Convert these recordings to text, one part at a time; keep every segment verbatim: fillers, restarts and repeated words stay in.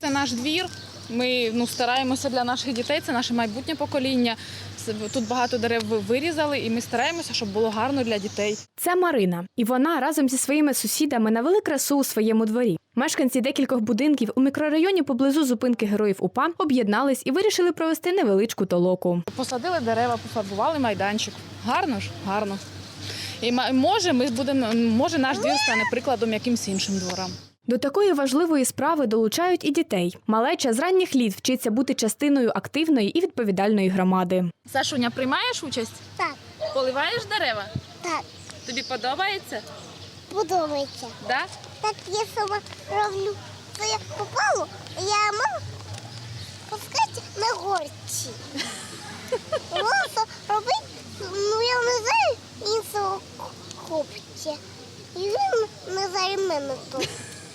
Це наш двір. Ми ну, стараємося для наших дітей, це наше майбутнє покоління. Тут багато дерев вирізали, і ми стараємося, щоб було гарно для дітей. Це Марина. І вона разом зі своїми сусідами навели красу у своєму дворі. Мешканці декількох будинків у мікрорайоні поблизу зупинки Героїв УПА об'єднались і вирішили провести невеличку толоку. Посадили дерева, пофарбували майданчик. Гарно ж? Гарно. І може, ми будемо, може наш двір стане прикладом якимсь іншим дворам. До такої важливої справи долучають і дітей. Малеча з ранніх літ вчиться бути частиною активної і відповідальної громади. Сашуня, приймаєш участь? Так. Поливаєш дерева? Так. Тобі подобається? Подобається. Да? Так я сама роблю. Це я попало, я мала пускати на горці. Просто робити, ну я не знаю іншого хлопця. І він не знає мене тут.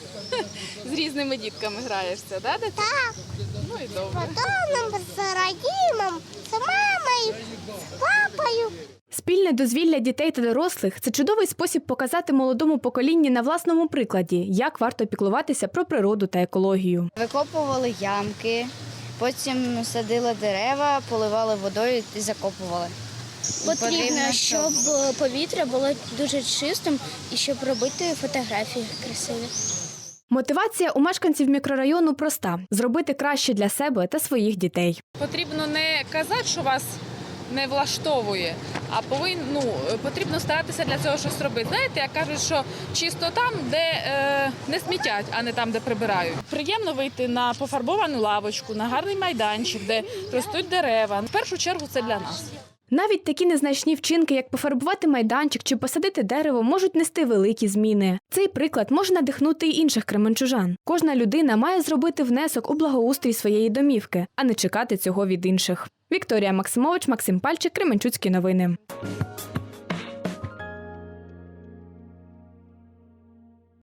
З різними дітками граєшся, да? Так. Ну і добре. З Богданом, з Радімом, з мамою, з папою. Спільне дозвілля дітей та дорослих – це чудовий спосіб показати молодому поколінню на власному прикладі, як варто піклуватися про природу та екологію. Викопували ямки, потім садили дерева, поливали водою і закопували. Потрібно, щоб повітря було дуже чистим і щоб робити фотографії красиві. Мотивація у мешканців мікрорайону проста – зробити краще для себе та своїх дітей. Потрібно не казати, що вас не влаштовує, а повин, ну, потрібно старатися для цього щось робити. Знаєте, як кажуть, що чисто там, де е, не смітять, а не там, де прибирають. Приємно вийти на пофарбовану лавочку, на гарний майданчик, де ростуть дерева. В першу чергу це для нас. Навіть такі незначні вчинки, як пофарбувати майданчик чи посадити дерево, можуть нести великі зміни. Цей приклад може надихнути й інших кременчужан. Кожна людина має зробити внесок у благоустрій своєї домівки, а не чекати цього від інших. Вікторія Максимович, Максим Пальчик, Кременчуцькі новини.